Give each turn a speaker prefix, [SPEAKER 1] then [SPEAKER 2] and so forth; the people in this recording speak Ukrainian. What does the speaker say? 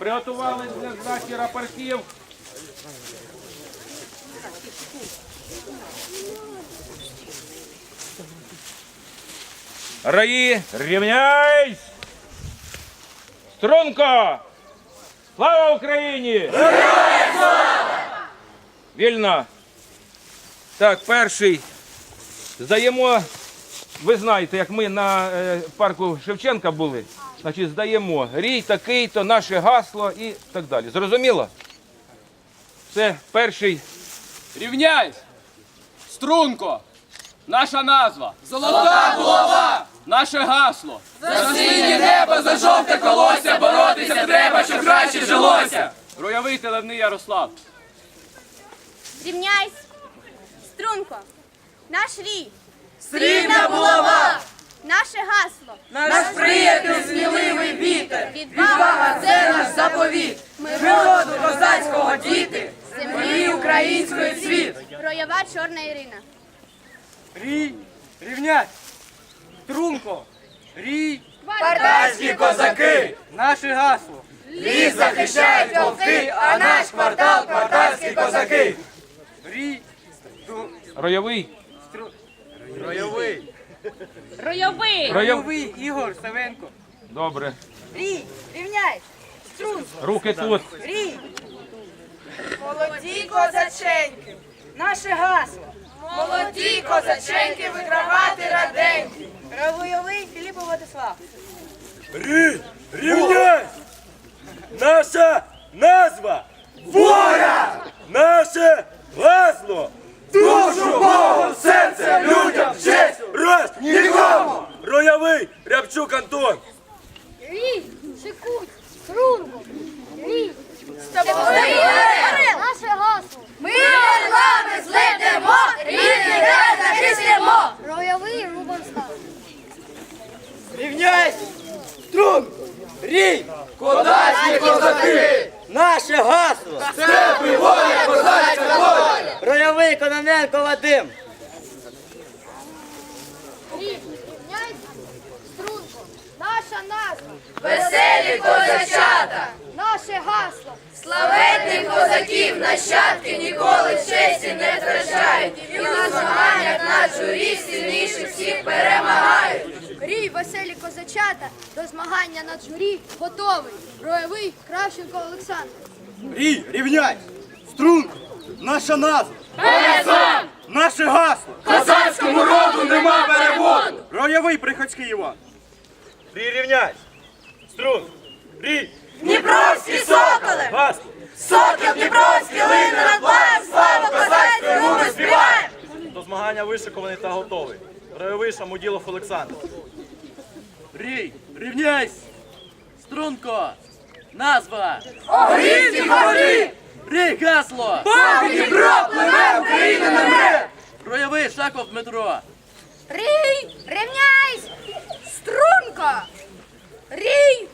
[SPEAKER 1] Приготувались для здачі рапортів. Раї, рівняйсь! Струнко! Слава Україні! Героям слава! Вільно. Так, перший. Здаємо, ви знаєте, як ми на парку Шевченка були, значить здаємо рій такий-то, наше гасло і так далі. Зрозуміло? Це перший.
[SPEAKER 2] Рівняйсь! Струнко! Наша назва! Золота булава! Наше гасло! За синє небо, за жовте колося, боротися треба, щоб краще жилося! Руявий Телевний Ярослав!
[SPEAKER 3] Рівняйсь! Струнко! Наш рій!
[SPEAKER 4] Срібна булава!
[SPEAKER 3] Наше гасло!
[SPEAKER 4] Наш приятель сміливий вітер!
[SPEAKER 3] Відвага
[SPEAKER 4] – це наш заповіт! Ми роду козацького діти! Землі української цвіт!
[SPEAKER 3] Роява Чорна Ірина.
[SPEAKER 5] Рій, рівняйсь! Струнко! Рій!
[SPEAKER 4] Спартанські козаки!
[SPEAKER 5] Наше гасло!
[SPEAKER 4] Ліс захищають полки, а наш квартал – квартальські козаки!
[SPEAKER 5] Рій!
[SPEAKER 1] Ройовий.
[SPEAKER 5] Ройовий!
[SPEAKER 3] Ройовий!
[SPEAKER 5] Ройовий Ігор Савенко!
[SPEAKER 1] Добре.
[SPEAKER 4] Рій, рівняйсь! Струнко!
[SPEAKER 1] Руки тут.
[SPEAKER 4] Рій! Молоді козаченьки! Наше гасло! Молоді козаченьки вигравати раденьки! Равойовий Філіппо Владислав!
[SPEAKER 6] Рівняйсь! Наша назва воля! Наше гасло! Душу Богу, серце людям, честь, раз, нікому! Роявий Рябчук Антон!
[SPEAKER 3] Рій! Шикуть! Струнко! Рій! Наше гасло!
[SPEAKER 4] Ми орлами злетимо, рідний край захистимо!
[SPEAKER 3] Роявий Рубан Став.
[SPEAKER 5] Рівняйсь! Струнко! Рій!
[SPEAKER 4] Козацькі козаки!
[SPEAKER 5] Наше гасло!
[SPEAKER 4] Степи воля, козацька воля!
[SPEAKER 5] Ройовий Кононенко Вадим!
[SPEAKER 3] Рій! Рівняйся! Струнко! Наша назва!
[SPEAKER 4] Веселі козачата!
[SPEAKER 3] Наше гасло!
[SPEAKER 4] Славетних козаків нащадки ніколи честі не втрачають. І у змаганнях на журі сильніших всіх перемагають.
[SPEAKER 3] Рій, веселі козачата, до змагання на журі готовий. Роєвий Кравченко Олександр.
[SPEAKER 6] Рій, рівняйсь! Струнко! Наша назва!
[SPEAKER 4] Пересон!
[SPEAKER 6] Наше гасло!
[SPEAKER 2] Козацькому роду нема переводу!
[SPEAKER 6] Роявий Приходський Іван! Рій, рівняйсь! Струнко! Рій!
[SPEAKER 4] Дніпровські соколи!
[SPEAKER 6] Гасло!
[SPEAKER 4] Сокіл Дніпровський лине над боєм! Слава козацькому ми співаємо!
[SPEAKER 6] До змагання вишикований та готовий. Роявий Шамуділов Олександр.
[SPEAKER 5] Рій! Рівняйсь! Струнко! Назва!
[SPEAKER 4] Огрівці горі!
[SPEAKER 5] Рій гасло!
[SPEAKER 4] Поки Дніпро пливе, Україна не мре!
[SPEAKER 5] Ройовий Шаков Дмитро!
[SPEAKER 3] Рій, рівняйсь! Струнко! Рій,